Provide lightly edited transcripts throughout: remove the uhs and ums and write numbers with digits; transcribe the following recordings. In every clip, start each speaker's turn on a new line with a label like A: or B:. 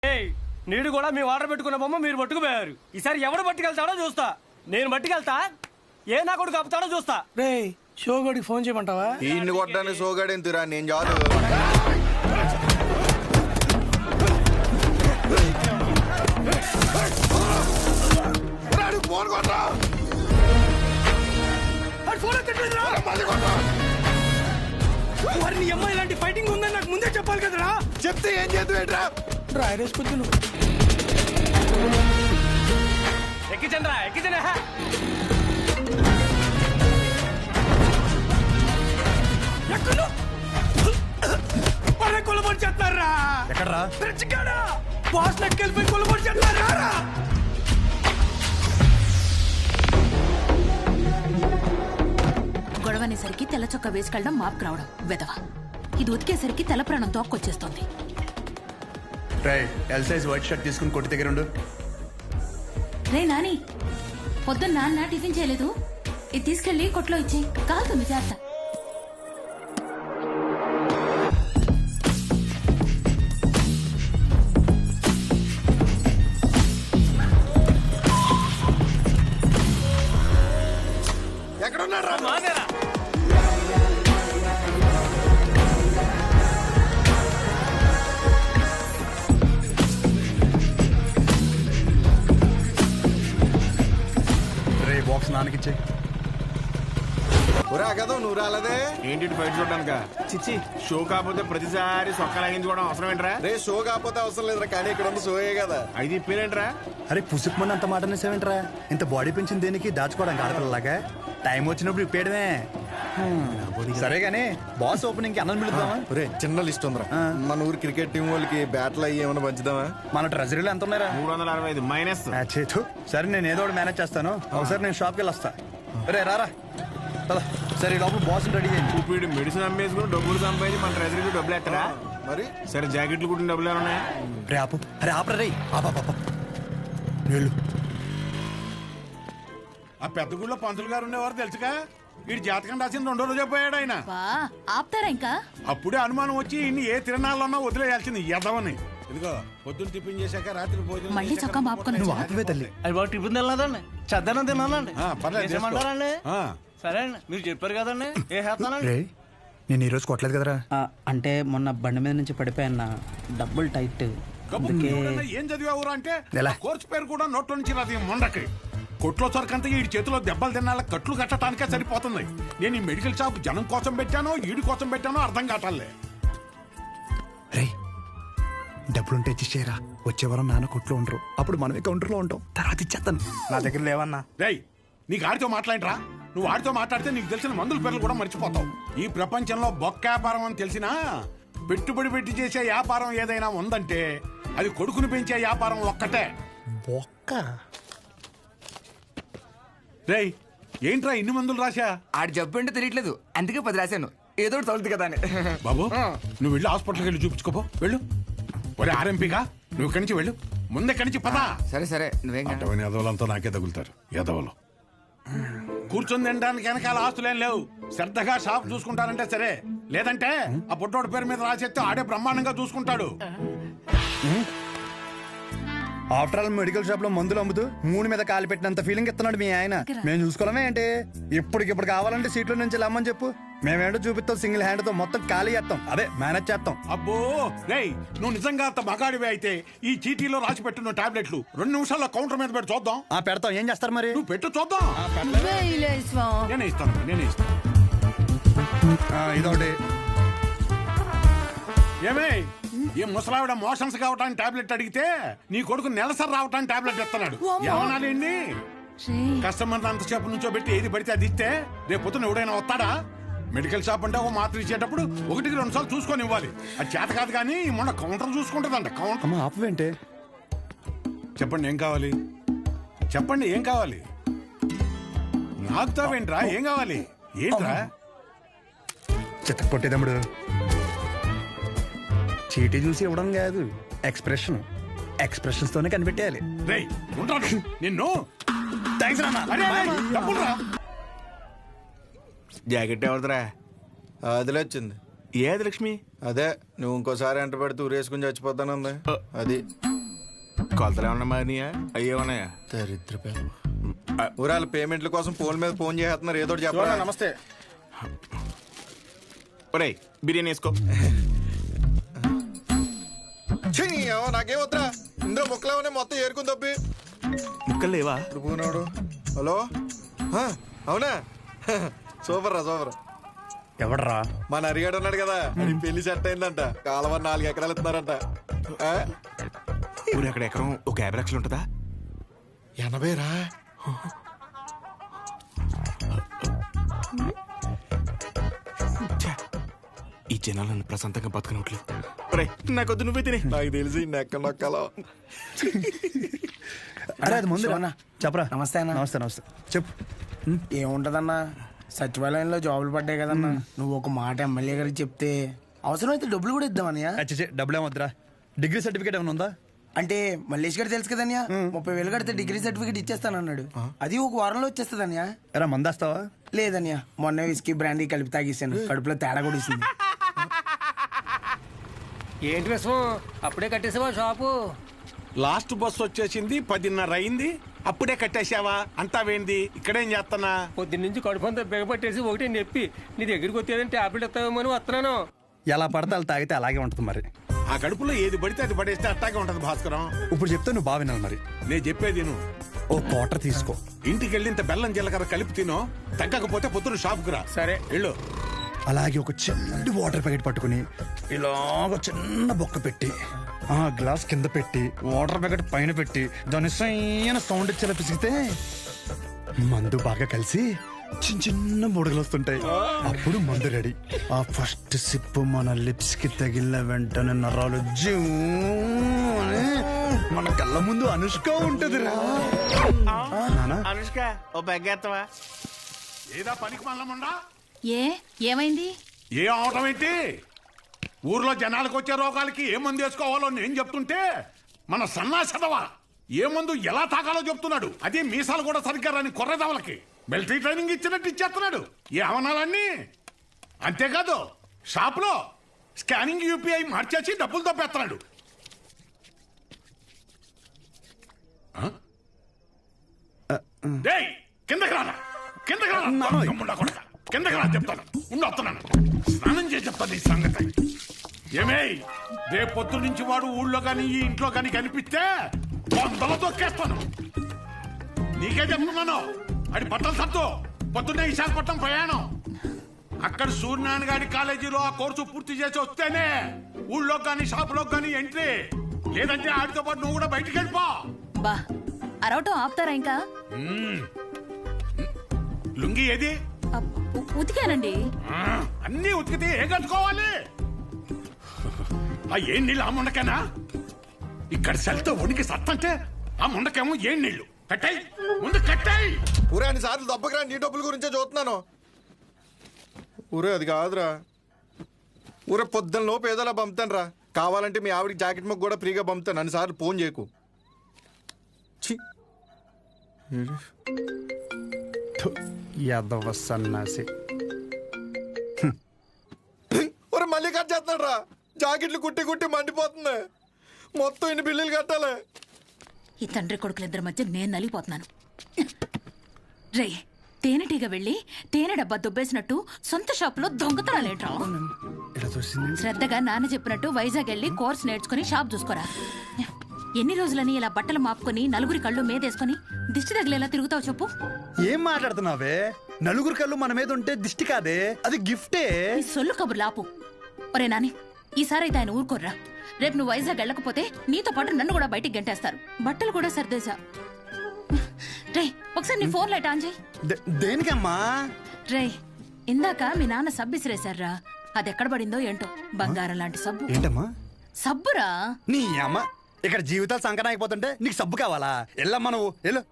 A: నీడు కూడా మీ ఆర్డర్ పెట్టుకున్న బొమ్మ మీరు పట్టుకుపోయారు. ఈసారి ఎవడు పట్టుకెళ్తాడో చూస్తా. నేను పట్టుకెళ్తా, ఏ నా కొడుకు ఆపుతాడో చూస్తా.
B: రే షోగడికి ఫోన్ చేయమంటావా?
C: ఈయన్ని కొట్టడానికి షోగాడు ఎంతురా, నేను చాలు.
B: వారిని అమ్మాయి ఇలాంటి ఫైటింగ్ ఉందని నాకు ముందే చెప్పాలి కదరా.
C: చెప్తే ఏం చేద్దాం?
B: డ్రైరేసుకొద్దు నువ్వు.
A: ఎక్కిచండ్రా ఎక్కిచండి.
B: కొలబడి చేస్తున్నారా?
C: ఎక్కడరా?
B: బాస్ లెక్కెళ్ళిపోయి కొలబడి చేస్తున్నారా?
D: గొడవనేసరికి తెల్ల చొక్క వేసుకెళ్ళడం మాపుకు రావడం వెదవ. ఇది ఉతికేసరికి తెల్ల ప్రాణం తోక్కొచ్చేస్తోంది.
E: ఎల్ సైజ్ వైట్ షర్ట్ తీసుకుని కొట్టి దగ్గర ఉండు.
D: రే నాని, పొద్దున్న నాన్న టిఫిన్ చేయలేదు, ఇది తీసుకెళ్లి కొట్లో ఇచ్చి కాలుతుంది చేస్తా.
C: ఎక్కడున్నారా?
E: బాక్స్ నాన్నకిచ్చే.
C: కదా నువ్వు రాలేదే
F: ఏంటి బయట చూడడానిక? చిచ్చి, షో కాకపోతే ప్రతిసారి సొక్క లాగించుకోవడం అవసరం ఏంట్రా?
C: రే షో కాకపోతే అవసరం లేదురా, కానీ ఇక్కడ ఉంది షోయే కదా.
F: అది ఇప్పేరేంట్రా?
E: అరే పుసుకుమని అంత మాట అనేసేవేంట్రా? ఇంత బాడీ పెంచింది దేనికి? దాచుకోవడానికి ఆడపిల్లలాగా. టైం వచ్చినప్పుడు ఇప్పేయడమే. సరే గానీ బాస్ ఓపెనింగ్ కి అన్నం పిలుద్దామా?
C: రే చిన్న లిస్ట్ ఉందిరా. మన ఊరు క్రికెట్ టీం వాళ్ళకి బ్యాట్లు అయ్యి ఏమైనా పంచుదామా?
E: మన ట్రెజరీలో ఎంత ఉన్నారా?
F: 365 మైనస్.
E: సరే నేను ఏదో ఒకటి మేనేజ్ చేస్తాను. ఒకసారి నేను షాప్కి వెళ్ళి వస్తా. రే రారా. సరే లోపల బాస్ రెడీ చేయండి.
F: ఇప్పుడు మెడిసిన్ అమ్మేసుకుని డబ్బులు సంపాదించి మన ట్రెజరీకి డబ్బులు ఎత్తరా?
C: మరి
F: సరే జాకెట్లు కుట్టిన డబ్బులు ఏమన్నా?
E: రే ఆపు. అరే ఆపరా రే. వెళ్ళు.
G: ఆ పెద్ద గుళ్ళో పంతులు గారు ఉండేవారు తెలుసుగా. వీడి జాతకం రాసిన 2 రోజే పోయాడు ఆయన.
D: ఆపుతారా ఇంకా?
G: అప్పుడే అనుమానం వచ్చి ఇన్ని ఏ తిరణాలన్నా వదిలేయాల్సింది ఎదవని. ఇదిగో పొద్దున్న టిఫిన్ చేశాక రాత్రి భోజనం
D: మళ్ళీ చొక్కా మాపుకొని
E: నువ్వు ఆపవే తల్లి.
A: అది బాగా టిఫిన్ తినలేదండి, చద్దనం తినాలండి.
G: పర్లేదు,
A: చేసేయమంటారండి?
G: ఆ.
A: సరే అండి, మీరు చెప్పారు కదండి, ఏ చేస్తానండి.
E: రే నేను ఈరోజు కొట్టలేదు కదరా.
B: అంటే మొన్న బండి మీద నుంచి పడిపోయాన్న, డబ్బులు టైట్.
G: కబుర్లు ఎవడన్నా ఏం చదివావురా అంటే
E: ఎలా?
G: కోర్సు పేరు కూడా నోట్లో నుంచి రాదు. మొండకి కొట్లో సరికంతా ఈ చేతిలో దెబ్బలు తినాల కట్లు కట్టడానికే సరిపోతుంది. నేను ఈ మెడికల్ షాప్ జనం కోసం పెట్టానో ఈడి కోసం పెట్టానో అర్థం కావట్లే.
E: రే డబ్బులుంటే ఇచ్చేరా. వచ్చే వారం నాన్న కొట్లో ఉండరు, అప్పుడు మనమే కౌంటర్లో ఉంటాం. తర్వాత ఇచ్చేస్తాను. నా దగ్గర లేవన్నా.
G: రేయ్ నీకు ఆడితో మాట్లాడరా? నువ్వు ఆడితో మాట్లాడితే నీకు తెలిసిన మందుల పేర్లు కూడా మర్చిపోతావు. ఈ ప్రపంచంలో బొక్క వ్యాపారం అని తెలిసినా పెట్టుబడి పెట్టి చేసే వ్యాపారం ఏదైనా ఉందంటే అది కొడుకుని పెంచే వ్యాపారం ఒక్కటే.
E: బొక్క.
G: రేయ్ ఏంట్రా ఇన్ని మందులు రాశా?
H: ఆడి జబ్బు అంటే తెలియట్లేదు, అందుకే 10 రాశాను. ఏదో ఒకటి తగులుతుంది కదా అని.
G: బాబు నువ్వు వెళ్ళి హాస్పిటల్కి వెళ్ళి చూపించుకోపో. వెళ్ళు. ఒరే ఆర్ఎంపీగా నువ్వు ఇక్కడి నుంచి వెళ్ళు. ముందు ఇక్కడి నుంచి పదా.
H: సరే సరే నువ్వేం కాదు.
G: అటువంటి ఎదవలంతా నాకే తగులుతారు. ఎదవలు కూర్చొని తినడానికి వెనకాల ఆస్తులేం లేవు. శ్రద్ధగా షాప్ చూసుకుంటారంటే సరే, లేదంటే ఆ పుట్టోడి పేరు మీద రాసేస్తే ఆడే బ్రహ్మాండంగా చూసుకుంటాడు.
E: ఆఫ్టర్ ఆల్ మెడికల్ షాప్ లో మందులు అమ్ముతూ 3 మీద కాలు పెట్టినంత ఫీలింగ్ ఇస్తున్నాడు మీ ఆయన. మేము చూసుకోవడమే ఏంటి? ఇప్పటికిప్పుడు కావాలంటే సీట్ల నుంచి లమ్మని చెప్పు, మేమేంటో చూపిస్తాం. సింగిల్ హ్యాండ్ తో మొత్తం ఖాళీ చేస్తాం, అదే మేనేజ్ చేస్తాం.
G: అబ్బో రేయ్ నువ్వు నిజంగా అంత మగాడివే అయితే ఈ చీటీలో రాసి పెట్టున్న టాబ్లెట్లు 2 నిమిషాల్లో కౌంటర్ మీద పెట్టి చూద్దాం.
E: పెడతాం. ఏం చేస్తారు మరి?
G: నువ్వు పెట్టు చూద్దాం. నేనే ఇస్తాను.
E: ఇదొకటి.
G: ఏమే ఈ ముసలావిడ మోషన్స్ కావటానికి టాబ్లెట్ అడిగితే నీ కొడుకు నెలసరి రావటానికి టాబ్లెట్ ఇస్తున్నాడు. ఏమనాలండి? కస్టమర్ అంతసేపు నుంచో పెట్టి ఏది పడితే అది ఇస్తే రేపు పొద్దున ఎవడైనా వస్తాడా? మెడికల్ షాప్ అంటే ఒక మాత్ర ఇచ్చేటప్పుడు 1-2 సార్లు చూసుకొని ఇవ్వాలి. అది చేత కాదు కానీ మొన్న కౌంటర్ చూసుకుంటుందంట. కౌంటర్
E: ఆపవేంటే?
G: చెప్పండి ఏం కావాలి? చెప్పండి ఏం కావాలి? నాకుతావేంట్రా? ఏం కావాలి? ఏంట్రా?
E: చిత్త కొట్టేదమ్ముడు. చీటీ చూసి ఇవ్వడం కాదు, ఎక్స్ప్రెషన్స్ తోనే కనిపెట్టేయాలి.
G: రేయ్ ఉంటాను నిన్ను.
E: థాంక్స్ నాన్న.
G: అరే, అరే, డబ్బులురా.
F: జాకెట్ ఎవరిదిరా?
C: అదిలే వచ్చింది.
F: ఏది లక్ష్మి?
C: అదే నువ్వు ఇంకోసారి ఎంట పెడితే ఊరేసుకుని చచ్చిపోతానుంది అది.
F: కొలతలు ఏమన్నా మారినాయా అయ్యే ఉన్నాయా?
C: దరిద్ర ఊరాల పేమెంట్ల కోసం ఫోన్ మీద ఫోన్ చేస్తున్నారు, ఏదో ఒకటి చెప్పరా.
G: నమస్తే.
F: ఒరేయ్ బిర్యానీ వేసుకో.
C: ఛీ, ఏమో నాకేం వద్దా, ఇందులో ముక్కలేమనే మొత్తం ఏరుకుని తప్పి.
F: ముక్కలు లేవా?
C: ఇప్పుడు పోనాడు. హలో, ఆ, అవునా? సూపర్ రా సూపర్.
E: ఎవడరా?
C: మన అరిగాడు ఉన్నాడు కదా, అది పెళ్లి సెట్ అయిందంట. కాలువ 4 ఎకరాలు ఇస్తున్నారంట. ఆ?
F: ఊరు అక్కడ ఎకరం ఒక 50 లక్షలు ఉంటుందా?
C: 80 రా.
F: ఛే, ఈ జనాలు నన్ను ప్రశాంతంగా బతకనట్లేదు. ఒరేయ్ నాకొద్దు, నువ్వే తినే.
C: నాకు తెలిసి నెక్క నొక్కలో.
E: అరే అది ముందు
B: శివన్న.
E: చెప్పరా.
B: నమస్తే అన్న.
E: నమస్తే నమస్తే చెప్పు.
B: ఏముంటదన్నా, సచివాలయంలో జాబులు పడ్డాయి కదన్నా. నువ్వు ఒక మాట ఎమ్మెల్యే గారికి చెప్తే అవసరమైతే డబ్బులు కూడా ఇద్దామన్నయ్య.
E: అచ్చే డబ్బులు ఏమొద్దురా. డిగ్రీ సర్టిఫికేట్ ఏమైనా ఉందా?
B: అంటే మల్లేష్ గారు తెలుసు కదన్యా, 30,000 కడితే డిగ్రీ సర్టిఫికేట్ ఇచ్చేస్తానన్నాడు. అది ఒక వారంలో వచ్చేస్తుందన్యా.
E: ఎరా మందేస్తావా?
B: లేదన్యా, మొన్న విస్కీ బ్రాండీ కలిపి తాగేసాను, కడుపులో తేడా కూడా ఇస్తుంది.
A: ఏంటి విషయం, అప్పుడే కట్టేసావా షాపు?
G: లాస్ట్ బస్ వచ్చేసింది, 10:30 అయింది, అప్పుడే కట్టేశావా? అంతా వేంది, ఇక్కడేం చేస్తానా?
A: పొద్దున్నుంచి కడుపంతా బిగపట్టేసి ఒకటే నొప్పి. నీ దగ్గరికి వచ్చేదని టాబ్లెట్ ఇస్తావేమో అని వస్తున్నాను.
E: ఎలా పడితే అలా తాగితే అలాగే ఉంటుంది మరి.
G: ఆ కడుపులో ఏది పడితే అది పడేస్తే అట్టాగే ఉంటది భాస్కరం.
E: ఇప్పుడు చెప్తే నువ్వు బాగా వినాలి మరి.
G: నేను చెప్పేది నువ్వు
E: ఓ క్వార్టర్ తీసుకో.
G: ఇంటికి వెళ్ళి ఇంత బెల్లం జీలకర్ర కలిపి తినో, తగ్గకపోతే పొద్దున షాప్కి రా.
A: సరే
G: వెళ్ళు.
E: అలాగే ఒక చిన్న వాటర్ ప్యాకెట్ పట్టుకుని ఇలాగ చిన్న బొక్క పెట్టి ఆ గ్లాస్ కింద పెట్టి వాటర్ ప్యాకెట్ పైన పెట్టి దాని సైన సౌండ్ ఇచ్చేలా పిసిగితే మందు బాగా కలిసి చిన్న చిన్న బుడగలు వస్తుంటాయి. అప్పుడు మందు రెడీ. ఆ ఫస్ట్ సిప్ మన లిప్స్ కి తగిలిన వెంటనే నరాలు జూ అని మన కళ్ళ ముందు అనుష్క ఉంటది రా.
F: అనుష్క ఓ బెగ్గేత్తవా?
G: ఏదా పనికి మల్లముండా?
D: ఏమైంది?
G: ఏ అవటం ఏంటి? ఊర్లో జనాలకు వచ్చే రోగాలకి ఏ మందు వేసుకోవాలో నేను చెప్తుంటే మన సన్నాసదవా ఏ మందు ఎలా తాగాలో చెప్తున్నాడు. అదే మీసాలు కూడా సరిగ్గా రాని కొర్రదవలకి మిలిటరీ ట్రైనింగ్ ఇచ్చినట్టు ఇచ్చేస్తున్నాడు. ఏ అవనాలన్నీ అంతేకాదు, షాప్ లో స్కానింగ్ యూపీఐ మార్చేసి డబ్బులు తప్పేస్తున్నాడు. డేయ్, కిందకి రానా, కిందకి రానా, దొంగముండా కొడక. కిందకి రా చెప్తాను, ఉండి వస్తున్నాను, స్నానం చేసి చెప్తాను ఈ సంగతి. ఏమే, రేపు పొద్దు నుంచి వాడు ఊళ్ళో కానీ ఈ ఇంట్లో కానీ కనిపిస్తే 100 తొక్కేస్తాను. నీకే చెప్తున్నాను, అది బట్టలు సత్తు. పొద్దున్నే విశాఖపట్నం ప్రయాణం. అక్కడ సూర్యనారాయణ గారి కాలేజీలో ఆ కోర్సు పూర్తి చేసి వస్తేనే ఊళ్ళో కానీ షాపులో కానీ ఎంట్రీ. లేదంటే ఆడితో పాటు నువ్వు కూడా బయటికి వెళ్ళిపో.
D: బా అరవటం ఆపుతారా ఇంకా?
G: లుంగి ఏది?
D: ఉతికానండి.
G: అన్నీ ఉతికితే ఏ కట్టుకోవాలి? ఆ ఏం నీళ్ళు ఆ ముండకేనా? ఇక్కడ సెల్తో ఉనికి సత్తంటే ఆ ముండకేమో ఏం నీళ్లు. కట్టాయి, ముందు కట్టాయి.
C: ఊరే అన్ని సార్లు దెబ్బకిరా, నీ డబ్బుల గురించే చూస్తున్నాను. ఊరే అది కాదురా, ఊరే పొద్దున్న లోపు ఏదోలా పంపుతాను రా. కావాలంటే మీ ఆవిడకి జాకెట్ ముక్క కూడా ఫ్రీగా పంపుతాను, అన్నిసార్లు ఫోన్ చేయకు. ఛీ,
E: యాదవ సన్నాసి.
C: ఊరే మళ్ళీ కట్ చేస్తున్నాడు రా. జాకెట్లు కుట్టి కుట్టి మండిపోతుంది. మొత్తం ఇన్ని బిల్లులు కట్టాలి.
D: ఈ తండ్రి కొడుకులిద్దరి మధ్య నేను నలిగిపోతున్నాను. రే, తేనెటీగ వెళ్ళి తేనె డబ్బా దుబ్బేసినట్టు సొంత షాపులో దొంగతనాలేంట్రా?
E: ఇలా చూసింది.
D: శ్రద్ధగా నాన్న చెప్పినట్టు వైజాగ్ వెళ్ళి కోర్స్ నేర్చుకుని షాప్ చూసుకోరా. ఎన్ని రోజులని ఇలా బట్టలు మాపుకొని నలుగురి కళ్ళు మీదేసుకొని దిష్టి తగిలేలా తిరుగుతావు చెప్పు?
E: ఏం మాట్లాడుతున్నావే? నలుగురు కళ్ళు మన మీద ఉంటే దిష్టి కాదే, అది గిఫ్టే.
D: ఈ సొల్లు కబుర్లు ఆపు. ఒరే నాని, ఈసారి అయితే ఆయన ఊరుకోర్రా. రేపు నువ్వు వైజాగ్ వెళ్ళకపోతే నీతో పాటు నన్ను కూడా బయటికి గంటేస్తారు. బట్టలు కూడా సర్దేశా. రే, ఒకసారి నీ ఫోన్ లైట్ ఆన్ చేయి.
E: దేనికమ్మా?
D: రే, ఇందాక మీ నాన్న సబ్బు ఇసిరేశారా, అది ఎక్కడ పడిందో ఏంటో. బంగారం లాంటి సబ్బు.
E: ఏంటమ్మా?
D: సబ్బురా.
E: నీ అమ్మ, ఇక్కడ జీవితాలు సంకటం అయిపోతుంటే నీకు సబ్బు కావాలా? ఎల్లమ్మా నువ్వు ఎల్లు.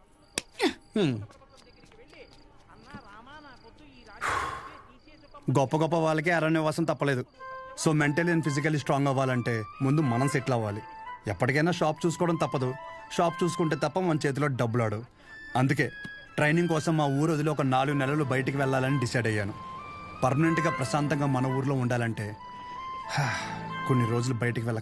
E: గొప్ప గొప్ప వాళ్ళకి అరణ్యవాసం తప్పలేదు. So mentally and physically strong అవ్వాలంటే ముందు మనం సెటిల్ అవ్వాలి. ఎప్పటికైనా షాప్ చూసుకోవడం తప్పదు. షాప్ చూసుకుంటే తప్ప మన చేతిలో డబ్బులు ఆడు. అందుకే ట్రైనింగ్ కోసం మా ఊరు వదిలి ఒక 4 నెలలు బయటికి వెళ్ళాలని డిసైడ్ అయ్యాను. పర్మనెంట్గా ప్రశాంతంగా మన ఊర్లో ఉండాలంటే కొన్ని రోజులు బయటికి వెళ్ళ